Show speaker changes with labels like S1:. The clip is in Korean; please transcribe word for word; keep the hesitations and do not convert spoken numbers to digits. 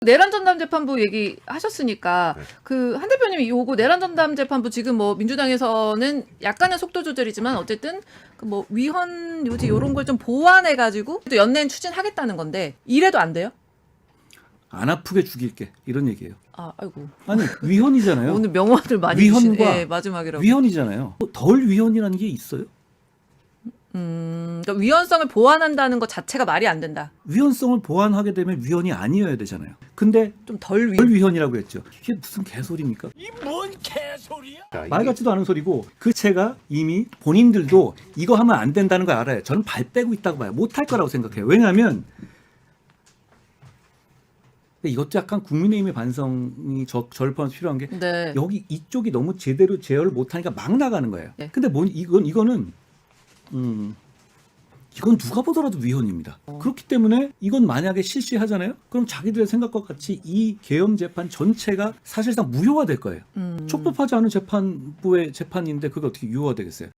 S1: 내란 전담 재판부 얘기하셨으니까
S2: 네.
S1: 그 한 대표님이 요거 내란 전담 재판부 지금 뭐 민주당에서는 약간의 속도 조절이지만 어쨌든 그 뭐 위헌 요지 요런 걸 좀 보완해 가지고 또 연내엔 추진하겠다는 건데 이래도 안 돼요?
S2: 안 아프게 죽일게 이런 얘기예요.
S1: 아, 아이고.
S2: 아니 위헌이잖아요.
S1: 오늘 명언을 많이
S2: 위헌과
S1: 주신 예, 마지막이라고.
S2: 위헌이잖아요. 덜 위헌이라는 게 있어요?
S1: 음, 그러니까 위헌성을 보완한다는 것 자체가 말이 안 된다.
S2: 위헌성을 보완하게 되면 위헌이 아니어야 되잖아요. 근데
S1: 좀 덜 위.
S2: 덜 위헌이라고 했죠. 이게 무슨 개소리입니까?
S3: 이 뭔 개소리야?
S2: 말 같지도 않은 소리고 그 채가 이미 본인들도 이거 하면 안 된다는 걸 알아요. 저는 발 빼고 있다고 봐요. 못할 거라고 생각해요. 왜냐하면 이것도 약간 국민의힘의 반성이 저, 저를 포함해서 필요한 게
S1: 네.
S2: 여기 이쪽이 너무 제대로 제어를 못하니까 막 나가는 거예요.
S1: 네.
S2: 근데 뭐 이건 이거는 음 이건 누가 보더라도 위헌입니다.
S1: 어.
S2: 그렇기 때문에 이건 만약에 실시하잖아요. 그럼 자기들의 생각과 같이 이 계엄 재판 전체가 사실상 무효화 될 거예요.
S1: 음.
S2: 촉법하지 않은 재판부의 재판인데 그게 어떻게 유효화 되겠어요?